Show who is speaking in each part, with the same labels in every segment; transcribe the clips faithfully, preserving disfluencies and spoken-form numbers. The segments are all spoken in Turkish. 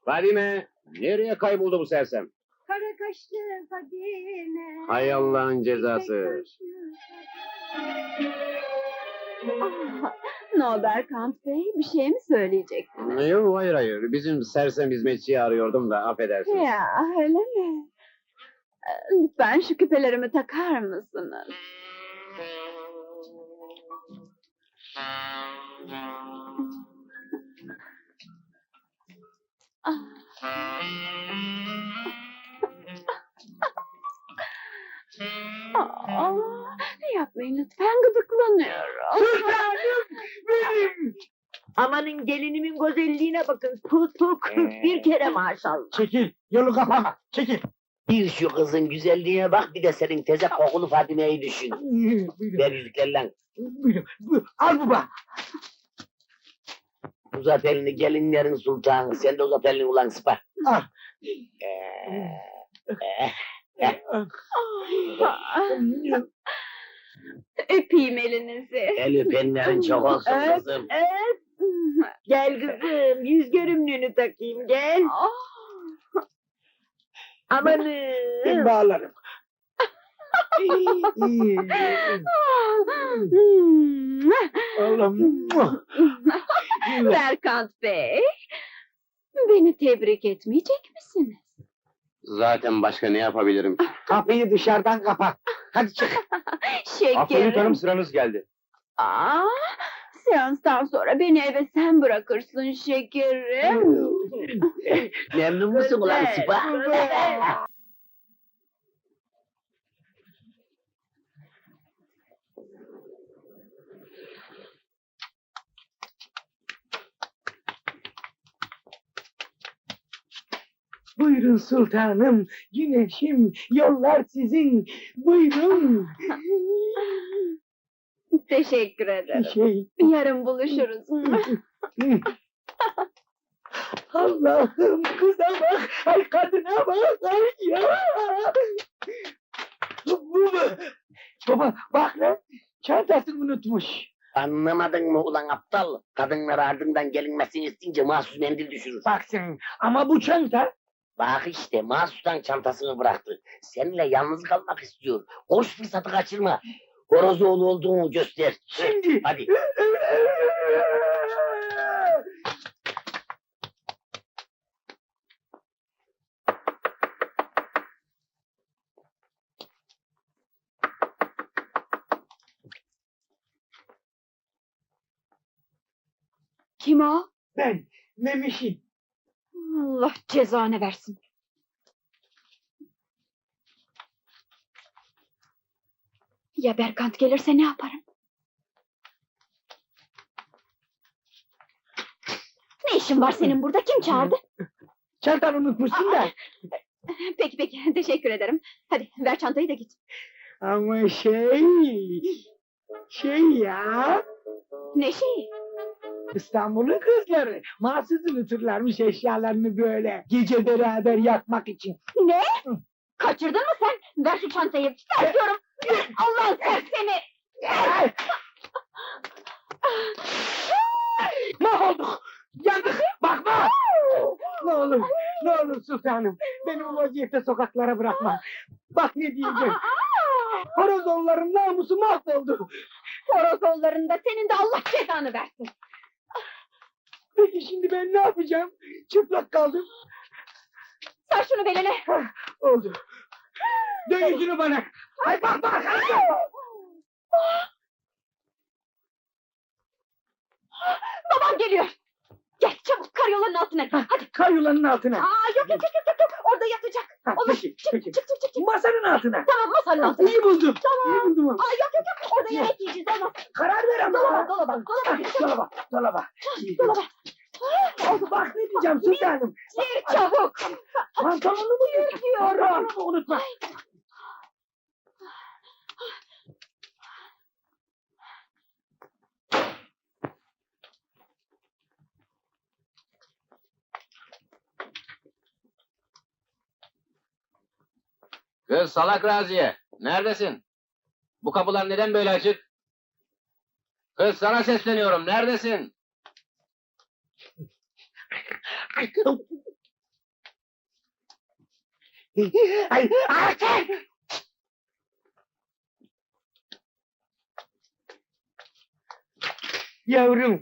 Speaker 1: Fadime, nereye kayboldu bu sersem?
Speaker 2: Kara kaşlı Fadime.
Speaker 1: Hay Allah'ın cezası.
Speaker 2: Ah, ne oldu Erkant Bey? Bir şey mi söyleyecektiniz?
Speaker 1: Yok, hayır hayır. Bizim sersem hizmetçiyi arıyordum da, affedersiniz.
Speaker 2: Ya öyle mi? Ee, Lütfen şu küpelerimi takar mısınız? Ah. Aa, yapmayın lütfen, gıdıklanıyorum.
Speaker 3: Sultanım benim!
Speaker 4: Amanın gelinimin güzelliğine bakın. Tutuk bir kere maşallah.
Speaker 3: Çekil, yolu kapama, çekil.
Speaker 4: Bir şu kızın güzelliğine bak, bir de senin teze kokulu Fadime'yi düşün.
Speaker 3: Buyurun,
Speaker 4: Ver yüzüklerle.
Speaker 3: buyurun, buyurun. Al baba.
Speaker 4: Uzat elini gelinlerin sultanı. Sen de uzat elini ulan sıpa.
Speaker 3: Al.
Speaker 4: Ee,
Speaker 2: Öpeyim elinizi.
Speaker 4: el öpenlerin çok olsun
Speaker 2: Evet,
Speaker 4: kızım.
Speaker 2: evet.
Speaker 4: Gel kızım, yüz görümlüğünü takayım, gel.
Speaker 2: Ah.
Speaker 3: Ben
Speaker 4: Amanın.
Speaker 3: bağlarım.
Speaker 2: Hmm.
Speaker 3: Allah'ım.
Speaker 2: Berkant Bey, beni tebrik etmeyecek misiniz?
Speaker 1: Zaten başka ne yapabilirim?
Speaker 3: Kapıyı dışarıdan kapat. Hadi çık.
Speaker 2: Şekerim.
Speaker 1: sıranız geldi.
Speaker 2: Aa, seanstan sonra beni eve sen bırakırsın şekerim.
Speaker 4: Memnun musun ulan sıpa?
Speaker 3: Buyurun sultanım, güneşim, yollar sizin. Buyurun.
Speaker 2: Teşekkür ederim.
Speaker 3: Şey,
Speaker 2: Yarın buluşuruz.
Speaker 3: Allah'ım kıza bak, ay kadına bak, ay ya. Bu mu? Baba bak lan, çantasını unutmuş.
Speaker 4: Anlamadın mı ulan aptal? Kadınlar ardından gelinmesini isteyince mahsus mendil düşürür.
Speaker 3: Bak sen, ama bu çanta...
Speaker 4: Bak işte mahsustan çantasını bıraktı. Seninle yalnız kalmak istiyor. Hoş fırsatı kaçırma. Horozoğlu olduğunu göster.
Speaker 3: Şimdi...
Speaker 4: Hadi.
Speaker 2: Kim o?
Speaker 3: Ben, Memiş'im.
Speaker 2: Allah cezanı versin. Ya Berkant gelirse ne yaparım? Ne işin var senin burada? Kim çağırdı?
Speaker 3: Çantanı unutmuşsun da.
Speaker 2: Peki peki, teşekkür ederim. Hadi ver çantayı da git.
Speaker 3: Ama şey... Şey ya...
Speaker 2: Ne şey?
Speaker 3: İstanbul'un kızları mahsus unuturlarmış eşyalarını böyle gece beraber yakmak için.
Speaker 2: Ne? Kaçırdın mı sen? Ver şu çantayı. Ver diyorum. Allah'ın sersemi.
Speaker 3: Mahvolduk! Yandık! Bakma! Ne olur, ne olur sultanım. Beni bu vaziyette sokaklara bırakma. Bak ne diyeceğim. Horozoğulların namusu mahvoldu.
Speaker 2: Horozollarında senin de Allah cezanı versin.
Speaker 3: Peki şimdi ben ne yapacağım? Çıplak kaldım.
Speaker 2: Sar şunu beline.
Speaker 3: Hah, oldu. Dön yüzünü bana. Ay bak bak.
Speaker 2: Babam geliyor. Gel çabuk karyolanın altına. Hadi.
Speaker 3: Kayulanın altına.
Speaker 2: Aa, yok yok yok yok yok. Orada yatacak.
Speaker 3: Ha,
Speaker 2: Olur.
Speaker 3: peki,
Speaker 2: Çık,
Speaker 3: peki.
Speaker 2: çık çık çık çık.
Speaker 3: Masanın altına.
Speaker 2: Tamam, masanın altına.
Speaker 3: İyi buldum.
Speaker 2: Tamam.
Speaker 3: İyi buldum.
Speaker 2: Aa, yok yok yok. Orada yemek yiyeceğiz, olmaz.
Speaker 3: Karar ver ama.
Speaker 2: Dolaba dolaba dolaba.
Speaker 3: Ah, Dolaba, dolaba. İyi.
Speaker 2: Dolaba.
Speaker 3: Oldu bak ne diyeceğim sultanım.
Speaker 2: Gir çabuk.
Speaker 3: Pantolonu mu
Speaker 2: Gir diyorum.
Speaker 3: Pantolonu unutma.
Speaker 1: Kız salak Raziye, neredesin? Bu kapılar neden böyle açık? Kız sana sesleniyorum, neredesin?
Speaker 3: Ay, Hakan! Yavrum,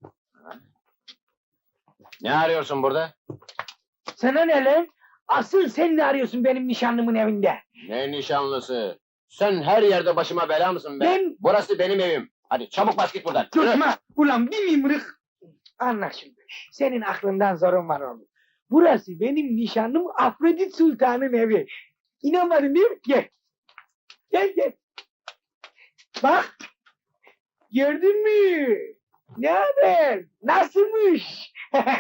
Speaker 1: Ne arıyorsun burada?
Speaker 3: sana ne lan? Asıl sen ne arıyorsun benim nişanlımın evinde?
Speaker 1: Ne nişanlısı? Sen her yerde başıma bela mısın be?
Speaker 3: Ben-
Speaker 1: Burası benim evim. Hadi çabuk bas git buradan. Yürü.
Speaker 3: Tutma! Ulan bir mimrik! Anla şimdi. Senin aklından zorun var oğlum. Burası benim nişanlım Afrodit Sultan'ın evi. İnanmadın değil mi? Gel. Gel gel. Bak. Gördün mü? Ne haber? Nasılmış?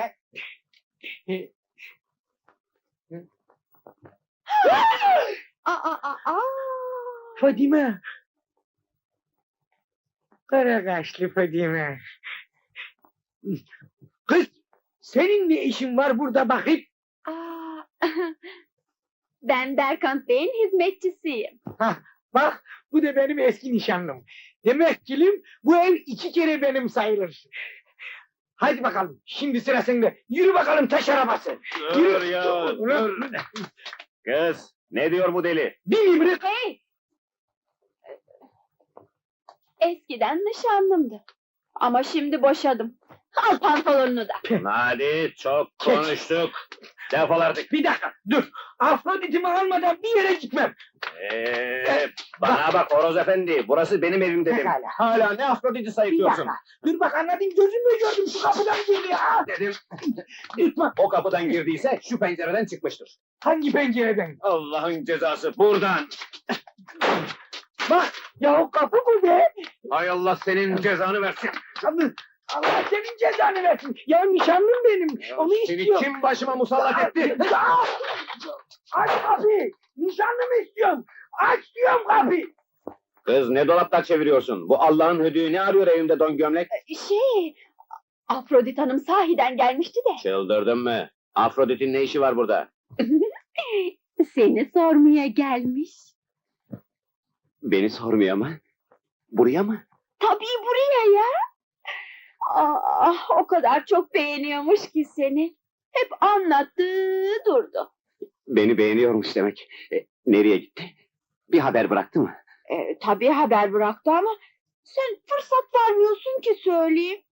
Speaker 2: Aa, aa, aa.
Speaker 3: Fadime. Kara kaşlı Fadime. Kız, senin ne işin var burada bakayım?
Speaker 2: Aa, ben Berkant Bey'in hizmetçisiyim.
Speaker 3: Bak, bu da benim eski nişanlım. Demek kilim, bu ev iki kere benim sayılır. Hadi bakalım, şimdi sıra sende. Yürü bakalım taş arabası.
Speaker 1: Dur ya, dur. Kız, ne diyor bu deli?
Speaker 3: Bir mimrik.
Speaker 2: Hey! Eskiden nişanlımdı. Ama şimdi boşadım. Al pantolonunu da.
Speaker 1: Hadi, çok
Speaker 3: Çek.
Speaker 1: konuştuk. Defol artık.
Speaker 3: Bir dakika, dur. Afrodit'imi almadan bir yere gitmem.
Speaker 1: Ee, bana bak Horoz Efendi, burası benim evim dedim.
Speaker 3: Pekala.
Speaker 1: Hala ne Afrodit'i
Speaker 3: Bir
Speaker 1: sayıklıyorsun?
Speaker 3: dakika. Dur bak anladım, gözümle gördüm. Şu kapıdan girdi ya.
Speaker 1: Dedim,
Speaker 3: Lütfen.
Speaker 1: o kapıdan girdiyse şu pencereden çıkmıştır.
Speaker 3: Hangi pencereden?
Speaker 1: Allah'ın cezası, buradan.
Speaker 3: Bak, ya o kapı bu be.
Speaker 1: Hay Allah senin cezanı versin.
Speaker 3: Allah, Allah senin cezanı versin. Ya nişanlım benim. Onu
Speaker 1: Seni
Speaker 3: istiyorum.
Speaker 1: kim başıma musallat etti?
Speaker 3: Ya! Aç kapıyı! Nişanlımı istiyorum! Aç diyorum kapıyı!
Speaker 1: Kız ne dolaplar çeviriyorsun? Bu Allah'ın hödüğü ne arıyor evimde don gömlek?
Speaker 2: Şey, Afrodit Hanım sahiden gelmişti de.
Speaker 1: Çıldırdın mı? Afrodit'in ne işi var burada?
Speaker 2: Seni sormaya gelmiş.
Speaker 1: Beni sormuyor mu? Buraya mı?
Speaker 2: Tabii buraya ya. Ah, o kadar çok beğeniyormuş ki seni. Hep anlattı durdu.
Speaker 1: Beni beğeniyormuş demek. E, nereye gitti? Bir haber bıraktı mı?
Speaker 2: Ee, tabii haber bıraktı ama sen fırsat vermiyorsun ki söyleyeyim.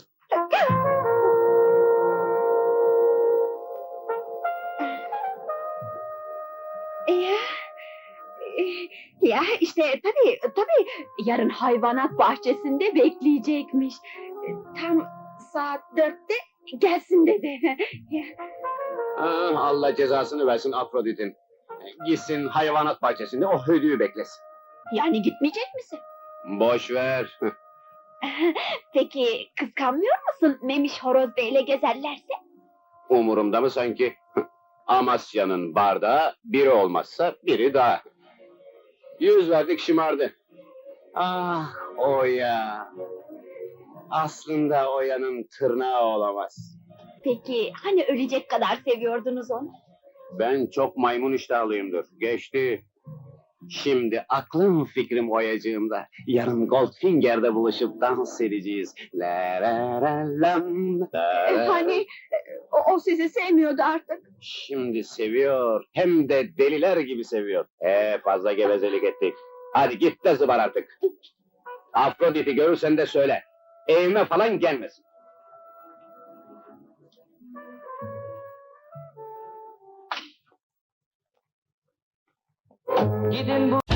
Speaker 2: Ya, e, ya işte tabii tabii yarın hayvanat bahçesinde bekleyecekmiş. E, Tam saat dörtte gelsin dedi.
Speaker 1: Ah, Allah cezasını versin Afrodit'in. E, Gitsin hayvanat bahçesinde o hödüğü beklesin.
Speaker 2: Yani gitmeyecek misin?
Speaker 1: Boş ver.
Speaker 2: Peki kıskanmıyor musun Memiş Horoz Bey'le gezerlerse?
Speaker 1: Umurumda mı sanki? Amasya'nın bardağı biri olmazsa biri daha. Yüz verdik şımardı. Ah Oya. Aslında Oya'nın tırnağı olamaz.
Speaker 2: Peki hani ölecek kadar seviyordunuz onu?
Speaker 1: Ben çok maymun iştahlıyımdır. Geçti. Şimdi aklım fikrim Oyacığımda. Yarın Goldfinger'de buluşup dans edeceğiz. La la la lam, la
Speaker 2: E,
Speaker 1: la.
Speaker 2: hani o, o sizi sevmiyordu artık.
Speaker 1: Şimdi seviyor. Hem de deliler gibi seviyor. Ee fazla gevezelik ettik. Hadi git de zıbar artık. Afrodit'i görürsen de söyle. Evime falan gelmesin.
Speaker 3: Gidin bu